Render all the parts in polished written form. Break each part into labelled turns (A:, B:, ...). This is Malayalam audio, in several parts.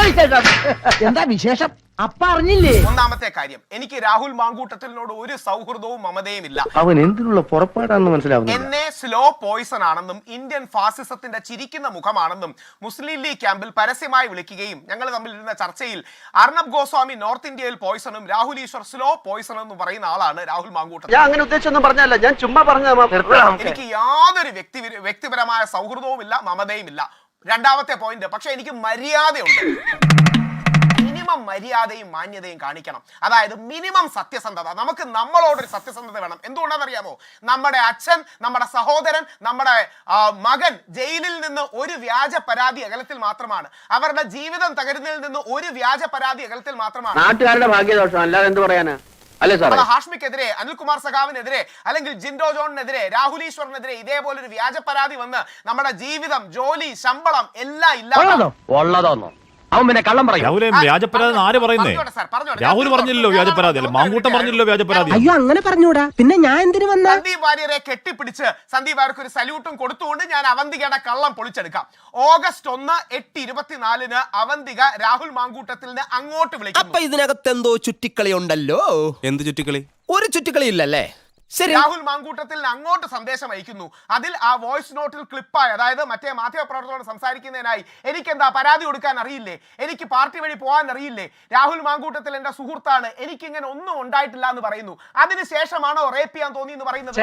A: എന്താ വിശേഷം? അപ്പ അറിഞ്ഞില്ലേ?
B: ഒന്നാമത്തെ കാര്യം, എനിക്ക് രാഹുൽ മാങ്കൂട്ടത്തിനോട് ഒരു സൗഹൃദവും മമതയും ഇല്ല.
C: അവൻ എന്തിനുള്ള പുറപ്പാടാണെന്ന് മനസ്സിലാവുന്നു.
B: എന്നെ സ്ലോ പോയിസൺ ആണെന്നും ഇന്ത്യൻ ഫാസിസത്തിന്റെ ചിരിക്കുന്ന മുഖമാണെന്നും മുസ്ലിം ലീഗ് ക്യാമ്പിൽ പരസ്യമായി വിളിക്കുകയും ഞങ്ങൾ തമ്മിലിരുന്ന ചർച്ചയിൽ അർണബ് ഗോസ്വാമി നോർത്ത് ഇന്ത്യയിൽ പോയിസണും രാഹുൽ ഈശ്വർ സ്ലോ പോയിസൺ എന്ന് പറയുന്ന ആളാണ് രാഹുൽ മാങ്കൂട്ടത്തിൽ.
C: ഞാൻ അങ്ങനെ ഉദ്ദേശിച്ചൊന്നും പറഞ്ഞല്ല, ഞാൻ ചുമ്മാ പറഞ്ഞ.
B: എനിക്ക് യാതൊരു വ്യക്തിപരമായ സൗഹൃദവും ഇല്ല, മമതയും ഇല്ല. രണ്ടാമത്തെ പോയിന്റ്, പക്ഷെ എനിക്ക് മര്യാദയുണ്ട്. മിനിമം മര്യാദയും മാന്യതയും കാണിക്കണം. അതായത് മിനിമം സത്യസന്ധത. നമുക്ക് നമ്മളോടൊരു സത്യസന്ധത വേണം. എന്തുകൊണ്ടാണെന്നറിയാമോ? നമ്മുടെ അച്ഛൻ, നമ്മുടെ സഹോദരൻ, നമ്മുടെ മകൻ ജയിലിൽ നിന്ന് ഒരു വ്യാജ പരാതി അകലത്തിൽ മാത്രമാണ്. അവരുടെ ജീവിതം തകരുന്നതിൽ നിന്ന് ഒരു വ്യാജ പരാതി അകലത്തിൽ മാത്രമാണ്.
C: നാട്ടുകാരുടെ ഭാഗ്യദോഷം, അല്ലാതെ എന്ത് പറയാനാ?
B: ഹാഷ്മിക്കെതിരെ, അനിൽകുമാർ സഖാവിനെതിരെ, അല്ലെങ്കിൽ ജിൻഡോ ജോണിനെതിരെ, രാഹുൽ ഈശ്വറിനെതിരെ ഇതേപോലെ ഒരു വ്യാജ പരാതി വന്ന് നമ്മുടെ ജീവിതം, ജോലി, ശമ്പളം എല്ലാം ഇല്ലാതെ
D: അവൻ പിന്നെ കള്ളം പറയും. രാഹുലെ വ്യാജപരാതി ആര് പറയുന്നേ? രാഹുൽ പറഞ്ഞില്ലല്ലോ വ്യാജപരാതി, അല്ല മാങ്കൂട്ടം പറഞ്ഞില്ലല്ലോ വ്യാജപരാതി.
A: അയ്യോ അങ്ങനെ പറഞ്ഞൂടാ, പിന്നെ ഞാൻ എന്തിനു വന്ന?
B: സന്ദീപ് വാര്യരെ കെട്ടിപ്പിടിച്ച് സന്ദീപ് വാര്യർക്ക് ഒരു സല്യൂട്ടും കൊടുത്തുകൊണ്ട് ഞാൻ അവന്തികയുടെ കള്ളം പൊളിച്ചെടുക്കാം. ഓഗസ്റ്റ് 1, 8:24 അവന്തിക രാഹുൽ മാങ്കൂട്ടത്തിന് അങ്ങോട്ട് വിളിക്കും.
E: അപ്പൊ ഇതിനകത്ത് എന്തോ ചുറ്റിക്കളി ഉണ്ടല്ലോ.
D: എന്ത് ചുറ്റിക്കളി?
E: ഒരു ചുറ്റിക്കളി ഇല്ലല്ലേ?
B: രാഹുൽ മാങ്കൂട്ടത്തിൽ അങ്ങോട്ട് സന്ദേശം അയക്കുന്നു. അതിൽ ആ വോയിസ് നോട്ടിൽ ക്ലിപ്പായി, അതായത് മറ്റേ മാധ്യമപ്രവർത്തകരോട് സംസാരിക്കുന്നതിനായി എനിക്കെന്താ പരാതി കൊടുക്കാൻ അറിയില്ലേ, എനിക്ക് പാർട്ടി വഴി പോകാൻ അറിയില്ലേ, രാഹുൽ മാങ്കൂട്ടത്തിൽ എന്റെ സുഹൃത്താണ്, എനിക്കിങ്ങനെ ഒന്നും ഉണ്ടായിട്ടില്ല എന്ന് പറയുന്നു. അതിനുശേഷമാണോ റേപ്പ് ചെയ്യാൻ തോന്നി എന്ന് പറയുന്നത്?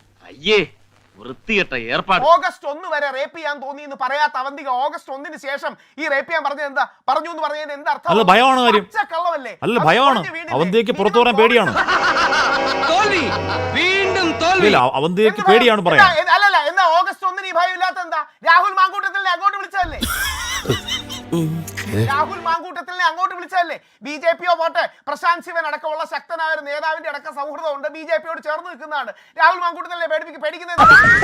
B: ഓഗസ്റ്റ് 1 വരെ റേപ്പ് ചെയ്യാൻ തോന്നി എന്ന് പറയാത്ത അവന്തിക ഓഗസ്റ്റ് 1 ശേഷം ഈ റേപ്പ് ചെയ്യാൻ പറഞ്ഞത് എന്താ? പറഞ്ഞു എന്ന് പറഞ്ഞതിന് എന്താ അർത്ഥം?
D: അല്ല ഭയമാണ് കാര്യം.
B: കള്ളമല്ലേ?
D: അല്ല ഭയമാണ്. അവന്തിക്ക് പുറത്തു പറയാൻ പേടിയാണ്. അവന്തിക്ക് പേടിയാണ് പറയാൻ.
B: അല്ലല്ല, എന്നാ ഓഗസ്റ്റ് 1 ഈ ഭയം ഇല്ലാത്ത എന്താ? രാഹുൽ മാങ്കൂട്ടത്തിനെ അങ്ങോട്ട് വിളിച്ചതല്ലേ? രാഹുൽ മാങ്കൂട്ടത്തിനെ അങ്ങോട്ട് വിളിച്ചതല്ലേ? BJPയോ പോട്ടെ, പ്രശാന്ത് ശിവൻ അടക്കമുള്ള ശക്തനായ ഒരു നേതാവിന്റെ അടക്കം സൗഹൃദം ഉണ്ട്, BJPയോട് ചേർന്ന് നിൽക്കുന്നതാണ്. രാഹുൽ മാങ്കൂട്ടത്തിനെ പേടിക്കുന്നത്.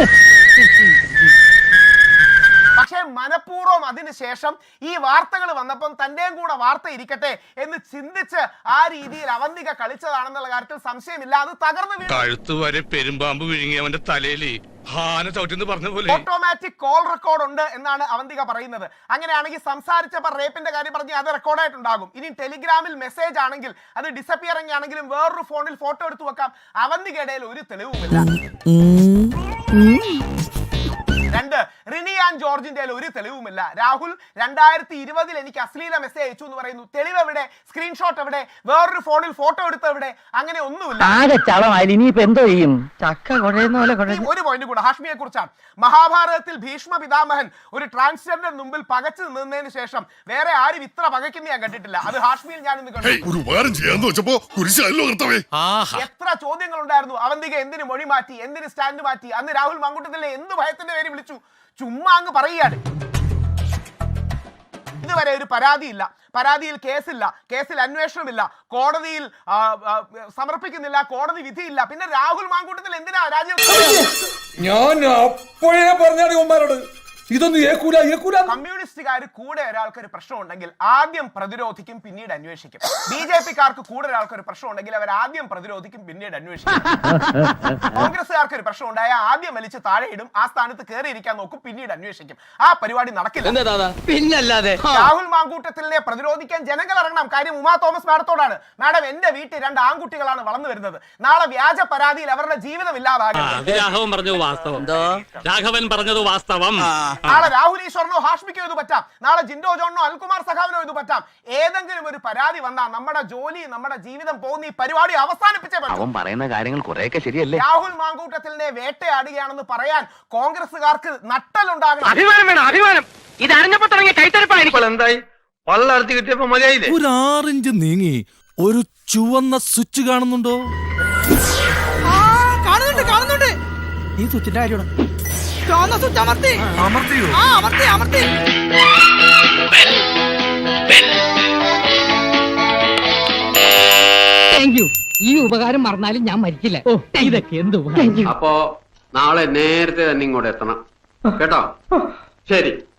B: പക്ഷേ മനഃപൂർവ്വം അതിനുശേഷം ഈ വാർത്തകൾ വന്നപ്പം തന്റെയും കൂടെ വാർത്ത ഇരിക്കട്ടെ എന്ന് ചിന്തിച്ച് ആ രീതിയിൽ അവന്തിക കളിച്ചതാണെന്നുള്ള കാര്യത്തിൽ സംശയമില്ല. അത് തകർന്നു
F: കഴുത്തുവരെ പെരുമ്പാമ്പ് വിഴുങ്ങിയവന്റെ തലയില്
B: ഓട്ടോമാറ്റിക് കോൾ റെക്കോർഡ് ഉണ്ട് എന്നാണ് അവന്തിക പറയുന്നത്. അങ്ങനെയാണെങ്കിൽ സംസാരിച്ചപ്പോൾ റേപ്പിന്റെ കാര്യം പറഞ്ഞ് അത് റെക്കോർഡായിട്ടുണ്ടാകും. ഇനി ടെലിഗ്രാമിൽ മെസ്സേജ് ആണെങ്കിൽ, അത് ഡിസപ്പിയറിംഗ് ആണെങ്കിലും വേറൊരു ഫോണിൽ ഫോട്ടോ എടുത്തു വെക്കാം. അവന്തികയുടെ ഒരു തെളിവുമില്ല. 2, റിനി ആൻഡ് ജോർജിന്റെ ഒരു തെളിവുമില്ല. രാഹുൽ 2020 എനിക്ക് അശ്ലീല മെസ്സേജ് അയച്ചു എന്ന് പറയുന്നു. തെളിവ് എവിടെ? സ്ക്രീൻഷോട്ട് എവിടെ? വേറൊരു ഫോണിൽ ഫോട്ടോ എടുത്ത എവിടെ? അങ്ങനെ ഒന്നുമില്ല. ഒരു പോയിന്റ് കൂടെ ഹാഷ്മിയെ കുറിച്ചാണ്. മഹാഭാരതത്തിൽ ഭീഷ്മ പിതാമഹൻ ഒരു ട്രാൻസ്ജെൻഡർ മുമ്പിൽ പകച്ചു നിന്നതിന് ശേഷം വേറെ ആരും ഇത്ര പകയ്ക്കുന്ന ഞാൻ കണ്ടിട്ടില്ല. അത് ഹാഷ്മിയിൽ ഞാൻ ഇന്ന് കണ്ടു. എത്ര ചോദ്യങ്ങൾ ഉണ്ടായിരുന്നു. അവന്തിക എന്തിന് മൊഴി മാറ്റി, എന്തിന് സ്റ്റാൻഡ് മാറ്റി? അന്ന് രാഹുൽ മാങ്കൂട്ടത്തിലെ എന്ത് ഭയത്തിന്റെ പേര് വിളിച്ചു? ചുമ്മാ അങ്ങ് പറയുകയാണ്. ഇതുവരെ ഒരു പരാതിയില്ല, പരാതിയിൽ കേസില്ല, കേസിൽ അന്വേഷണമില്ല, കോടതിയിൽ സമർപ്പിക്കുന്നില്ല, കോടതി വിധിയില്ല. പിന്നെ രാഹുൽ മാങ്കൂട്ടത്തിൽ എന്തിനാ രാജ്യം?
G: ഞാൻ അപ്പോഴേ പറഞ്ഞാണ് ഇതൊന്നും ഏക്കൂല.
B: കമ്മ്യൂണിസ്റ്റുകാർ കൂടെ ഒരാൾക്ക് ഒരു പ്രശ്നം ഉണ്ടെങ്കിൽ ആദ്യം പ്രതിരോധിക്കും, പിന്നീട് അന്വേഷിക്കും. BJPക്കാർക്ക് കൂടെ ഒരാൾക്ക് ഒരു പ്രശ്നം ഉണ്ടെങ്കിൽ അവർ ആദ്യം പ്രതിരോധിക്കും, പിന്നീട് അന്വേഷിക്കും. കോൺഗ്രസ്സുകാർക്ക് ഒരു പ്രശ്നം ഉണ്ടായാൽ ആദ്യം വലിച്ച് താഴെ ഇടും, ആ സ്ഥാനത്ത് കയറിയിരിക്കാൻ നോക്കും, പിന്നീട് അന്വേഷിക്കും. ആ പരിപാടി നടക്കില്ല.
E: പിന്നല്ലാതെ
B: രാഹുൽ മാങ്കൂട്ടത്തിനെ പ്രതിരോധിക്കാൻ ജനങ്ങൾ ഇറങ്ങണം. കാര്യം ഉമാ തോമസ് മാഡത്തോടാണ്. മാഡം, എന്റെ വീട്ടിൽ 2 ആൺകുട്ടികളാണ് വളർന്നു വരുന്നത്. നാളെ വ്യാജ പരാതിയിൽ അവരുടെ ജീവിതം ഇല്ലാതാകും. നാളെ രാഹുൽ ഈശ്വറിനോ ഹാഷ്മിക്കോ ഇത് പറ്റാം, നാളെ ജിൻഡോ ജോണിനോ അനിൽകുമാർ സഖാവിനോ ഇത് പറ്റാം. ഏതെങ്കിലും ഒരു പരാതി വന്നാൽ നമ്മുടെ ജോലി, നമ്മുടെ ജീവിതം പോകുന്ന ഈ പരിപാടി അവസാനിപ്പിച്ചേ പറ്റും.
C: പറയുന്ന കാര്യങ്ങൾ കുറെയൊക്കെ ശരിയല്ലേ?
B: രാഹുൽ മാങ്കൂട്ടത്തിനെ വേട്ടയാടുകയാണെന്ന് പറയാൻ കോൺഗ്രസുകാർക്ക് നട്ടലുണ്ടാകണം.
C: അഭിമാനം. ഇത് അറിഞ്ഞപ്പോ തുടങ്ങിയ കൈത്തരപ്പായിരിക്കും. എന്തായി? വള്ളർത്തി കിട്ടിയപ്പോ മതിയായില്ലേ?
D: ഒരു 6 ഇഞ്ച് നീങ്ങി ഒരു ചുവന്ന സ്വിച്ച് കാണുന്നുണ്ടോ?
A: കാണുന്നുണ്ട്. ഈ സ്വിച്ചിന്റെ കാര്യമാണ്. ഈ ഉപകാരം മറന്നാലും ഞാൻ മരിക്കില്ല. ഇതൊക്കെ എന്ത് ഉപകാരം.
C: അപ്പോ നാളെ നേരത്തെ തന്നെ ഇങ്ങോട്ട് എത്തണം കേട്ടോ? ശരി.